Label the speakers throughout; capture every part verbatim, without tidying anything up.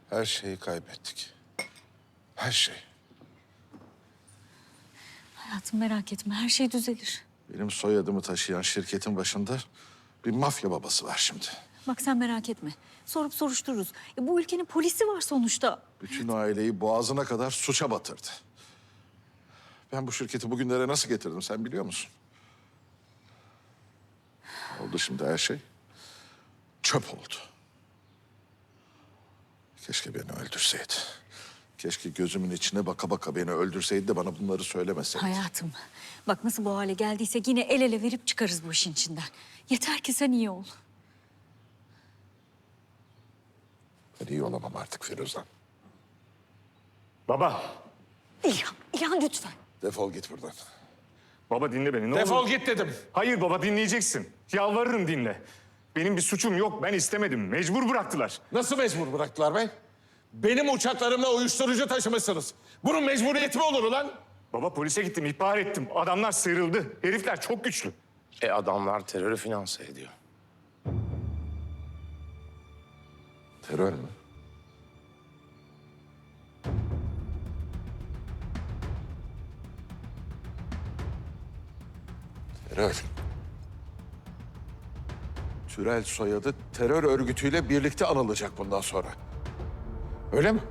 Speaker 1: Her şeyi kaybettik. Her şey.
Speaker 2: Hayatım merak etme, her şey düzelir.
Speaker 1: Benim soyadımı taşıyan şirketin başında bir mafya babası var şimdi.
Speaker 2: Bak sen merak etme. Sorup soruştururuz. E, bu ülkenin polisi var sonuçta.
Speaker 1: Bütün aileyi boğazına kadar suça batırdı. Ben bu şirketi bugünlere nasıl getirdim sen biliyor musun? Oldu şimdi her şey. Çöp oldu. Keşke beni öldürseydi. Keşke gözümün içine baka baka beni öldürseydi de bana bunları söylemeseydi.
Speaker 2: Hayatım, bak nasıl bu hale geldiysek yine el ele verip çıkarız bu işin içinden. Yeter ki sen iyi ol.
Speaker 1: Ben iyi olamam artık Firuzan.
Speaker 3: Baba.
Speaker 2: İlhan, İlhan lütfen.
Speaker 1: Defol git buradan.
Speaker 3: Baba dinle beni ne
Speaker 1: Defol
Speaker 3: olur.
Speaker 1: git dedim.
Speaker 3: Hayır baba dinleyeceksin. Yalvarırım dinle. Benim bir suçum yok. Ben istemedim. Mecbur bıraktılar.
Speaker 1: Nasıl mecbur bıraktılar be? Benim uçaklarımla uyuşturucu taşımışsınız. Bunun mecburiyeti mi olur ulan?
Speaker 3: Baba polise gittim, ihbar ettim. Adamlar sıyrıldı. Herifler çok güçlü.
Speaker 4: E adamlar terörü finanse ediyor.
Speaker 1: Terör mü? Terör. Türel soyadı terör örgütüyle birlikte anılacak bundan sonra. Öyle mi?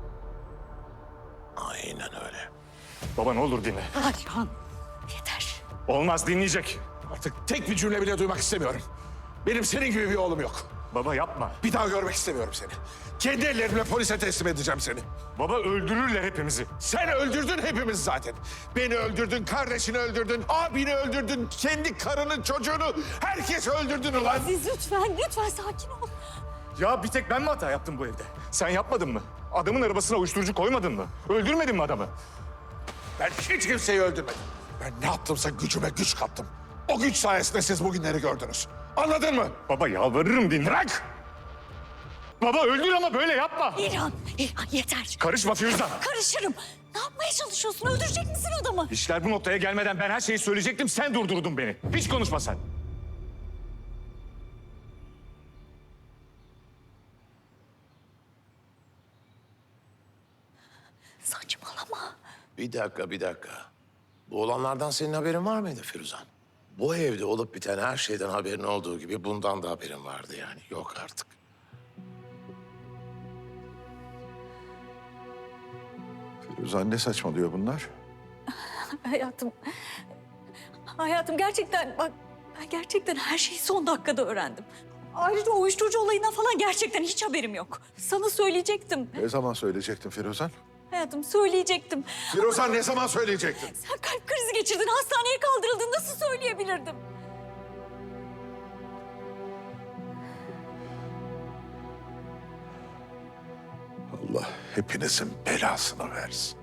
Speaker 4: Aynen öyle.
Speaker 3: Baba ne olur dinle.
Speaker 2: Hadi İlhan, yeter.
Speaker 3: Olmaz dinleyecek.
Speaker 1: Artık tek bir cümle bile duymak istemiyorum. Benim senin gibi bir oğlum yok.
Speaker 3: Baba yapma.
Speaker 1: Bir daha görmek istemiyorum seni. Kendi ellerimle polise teslim edeceğim seni.
Speaker 3: Baba öldürürler hepimizi.
Speaker 1: Sen öldürdün hepimiz zaten. Beni öldürdün, kardeşini öldürdün, abini öldürdün, kendi karının çocuğunu, herkes öldürdün ulan.
Speaker 2: Aziz lütfen, lütfen sakin ol.
Speaker 3: Ya bir tek ben mi hata yaptım bu evde? Sen yapmadın mı? Adamın arabasına uyuşturucu koymadın mı? Öldürmedin mi adamı?
Speaker 1: Ben hiç kimseyi öldürmedim. Ben ne yaptımsa gücüme güç kattım. O güç sayesinde siz bugünleri gördünüz. Anladın mı?
Speaker 3: Baba yalvarırım dinle.
Speaker 1: Bırak!
Speaker 3: Baba öldür ama böyle yapma.
Speaker 2: İlhan, İlhan yeter.
Speaker 3: Karışma Firuzan.
Speaker 2: Karışırım. Ne yapmaya çalışıyorsun? Öldürecek misin adamı?
Speaker 3: İşler bu noktaya gelmeden ben her şeyi söyleyecektim. Sen durdurdun beni. Hiç konuşma sen.
Speaker 2: Saçmalama.
Speaker 4: Bir dakika, bir dakika. Bu olanlardan senin haberin var mıydı Firuzan? Bu evde olup biten her şeyden haberin olduğu gibi bundan da haberin vardı yani. Yok artık.
Speaker 1: Firuzan ne saçmalıyor bunlar?
Speaker 2: Hayatım, hayatım gerçekten bak ben gerçekten her şeyi son dakikada öğrendim. Ayrıca o uyuşturucu olayından falan gerçekten hiç haberim yok. Sana söyleyecektim.
Speaker 1: Ne zaman söyleyecektin Firuzan?
Speaker 2: Hayatım söyleyecektim.
Speaker 1: Firuzan ne zaman söyleyecektin?
Speaker 2: Sen kalp krizi geçirdin, hastaneye kaldırıldın. Nasıl söyleyebilirdim?
Speaker 1: Allah hepinizin belasını versin.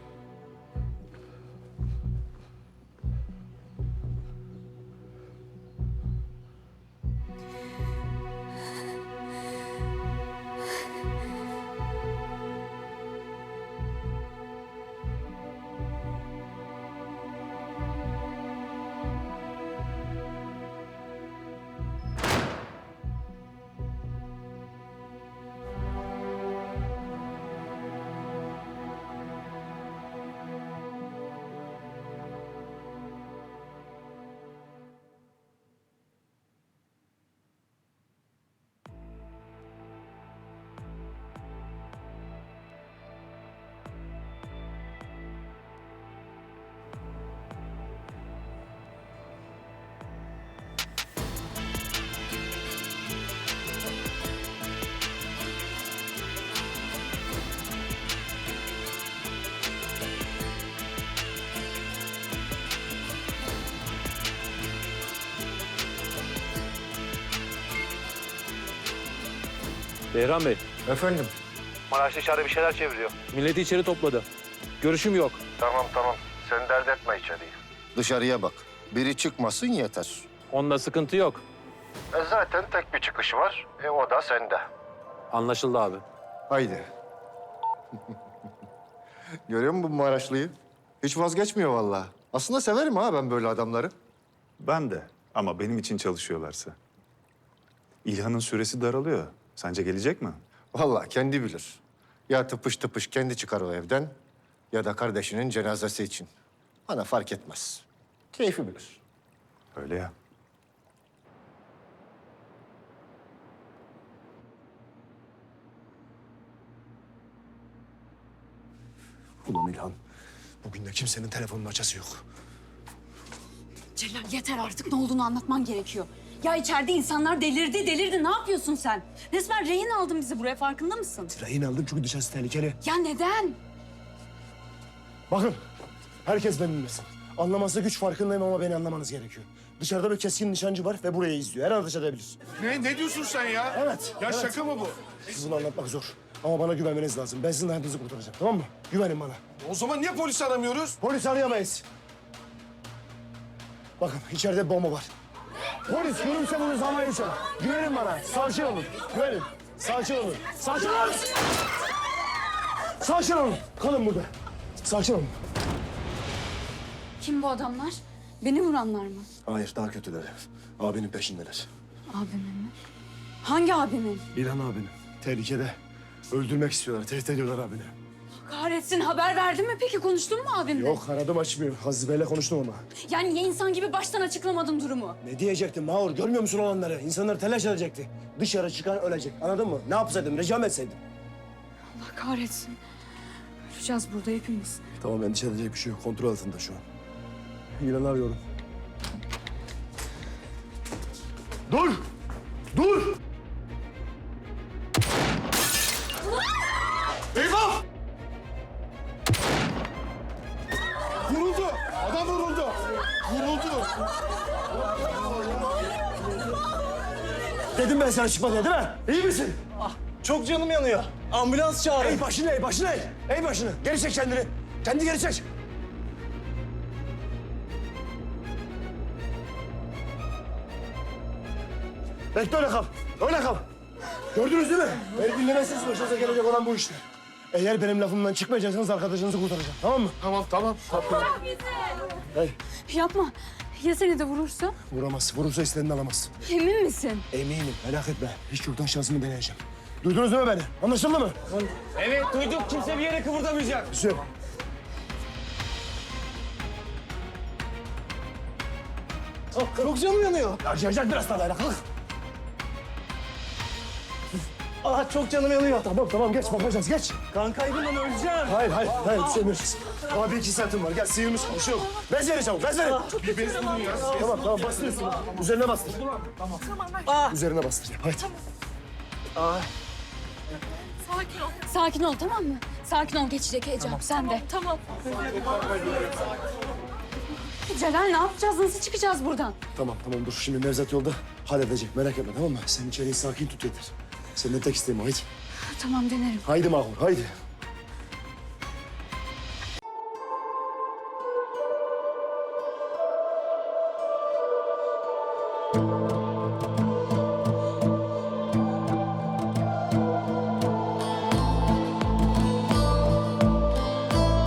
Speaker 5: Behram Bey,
Speaker 6: Efendim?
Speaker 5: Maraş dışarıda bir şeyler çeviriyor. Milleti içeri topladı. Görüşüm yok.
Speaker 6: Tamam tamam. Sen dert etme içeriği. Dışarıya bak. Biri çıkmasın yeter.
Speaker 5: Onda sıkıntı yok.
Speaker 6: E zaten tek bir çıkışı var. E o da sende.
Speaker 5: Anlaşıldı abi.
Speaker 6: Haydi. Görüyor musun bu Maraşlı'yı? Hiç vazgeçmiyor vallahi. Aslında severim ha ben böyle adamları.
Speaker 7: Ben de ama benim için çalışıyorlarsa. İlhan'ın süresi daralıyor. Sence gelecek mi?
Speaker 6: Vallahi kendi bilir. Ya tıpış tıpış kendi çıkar o evden ya da kardeşinin cenazesi için. Bana fark etmez. Keyfi bilir.
Speaker 7: Öyle ya.
Speaker 8: Ulan İlhan, bugün de kimsenin telefonunun açası yok.
Speaker 2: Celal yeter artık, ne olduğunu anlatman gerekiyor. Ya içeride insanlar delirdi, delirdi. Ne yapıyorsun sen? Resmen rehin aldın bizi buraya, farkında mısın?
Speaker 8: Rehin aldım çünkü dışarısı tehlikeli.
Speaker 2: Ya neden?
Speaker 8: Bakın, herkes beni dinlesin. Anlaması güç farkındayım ama beni anlamanız gerekiyor. Dışarıda bir keskin nişancı var ve burayı izliyor. Her an ateş edebilir.
Speaker 1: Ne, ne diyorsun sen ya?
Speaker 8: Evet.
Speaker 1: Ya
Speaker 8: evet.
Speaker 1: şaka mı bu?
Speaker 8: Bunu anlatmak zor. Ama bana güvenmeniz lazım. Ben sizin hayatınızı kurtaracağım, tamam mı? Güvenin bana.
Speaker 1: O zaman niye polis aramıyoruz?
Speaker 8: Polis arayamayız. Bakın, içeride bir bomba var. Polis görürse bunu zamanı uçar. Güvenin bana. Sakin olun. Güvenin. Sakin olun. Sakin olun. Sakin olun. Kalın burada. Sakin olun.
Speaker 2: Kim bu adamlar? Beni vuranlar mı?
Speaker 8: Hayır, daha kötüleri. Abinin peşindeler.
Speaker 2: Abimin mi? Hangi abimin?
Speaker 8: İlhan abinin. Tehlikede. Öldürmek istiyorlar. Tehdit ediyorlar abini.
Speaker 2: Kahretsin, haber verdin mi peki? Konuştun mu abimle?
Speaker 8: Yok, aradım açmıyor. Hazibe'yle konuştum ama.
Speaker 2: Yani niye insan gibi baştan açıklamadın durumu?
Speaker 8: Ne diyecektim Mahur? Görmüyor musun olanları? İnsanlar telaş edecekti. Dışarı çıkan ölecek. Anladın mı? Ne yapsaydım? Ricam etseydim.
Speaker 2: Allah kahretsin. Öleceğiz burada hepimiz.
Speaker 8: Tamam, endişe edecek bir şey yok. Kontrol altında şu an. İlan'ı arıyorum. Dur! Dur!
Speaker 1: Eyvah! Vuruldu! Adam vuruldu! Vuruldu!
Speaker 8: Dedim ben sana çıkma diye, değil mi? İyi misin?
Speaker 9: Çok canım yanıyor. Ambulans çağırın.
Speaker 8: Ey başını, ey başını, ey! Ey başını! Geri çek kendini. Kendi geri çek. Bekle, öyle kal. Öyle kal. Gördünüz değil mi? Beni dinlemezseniz başınıza gelecek olan bu işler. Eğer benim lafımdan çıkmayacaksanız arkadaşınızı kurtaracağım. Tamam mı?
Speaker 1: Tamam, tamam.
Speaker 8: Hey,
Speaker 2: Yapma. Ya seni de vurursa?
Speaker 8: vuramaz. Vurursa istediğini alamaz.
Speaker 2: Emin misin?
Speaker 8: Eminim, merak etme. Hiç yoktan şansımı deneyeceğim. Duydunuz değil mi beni? Anlaşıldı mı?
Speaker 9: Evet duyduk. Kimse bir yere kıvırdamayacak.
Speaker 8: Güzel.
Speaker 9: Çok canım yanıyor.
Speaker 8: Acıyacak biraz daha, dayanık. Kalk.
Speaker 9: Ah çok canım yanıyor.
Speaker 8: Tamam, tamam. Geç, bakacağız. Geç.
Speaker 9: Kan kaybından öleceğim.
Speaker 8: Hayır, hayır, hayır. Sevmiyoruz. Abi iki saatim var. Gel, sıyırmış. Bir şey yok. Bez verin çabuk, bez verin.
Speaker 1: Bir bez bulun ya.
Speaker 8: Tamam, tamam. Bastır üstüne. Üzerine bastır. Tamam.
Speaker 9: Ah.
Speaker 8: Üzerine bastır. Haydi.
Speaker 2: Sakin ol, tamam mı? Sakin ol, geçecek heyecan. Sen de. Tamam. Celal, ne yapacağız? Nasıl çıkacağız buradan?
Speaker 8: Tamam, tamam. Dur. Şimdi Nevzat yolda halledecek. Merak etme, tamam mı? Sen içeriği sakin tut yeter. Senden tek isteğim o. Haydi.
Speaker 2: Tamam, denerim.
Speaker 8: Haydi Mahur, haydi.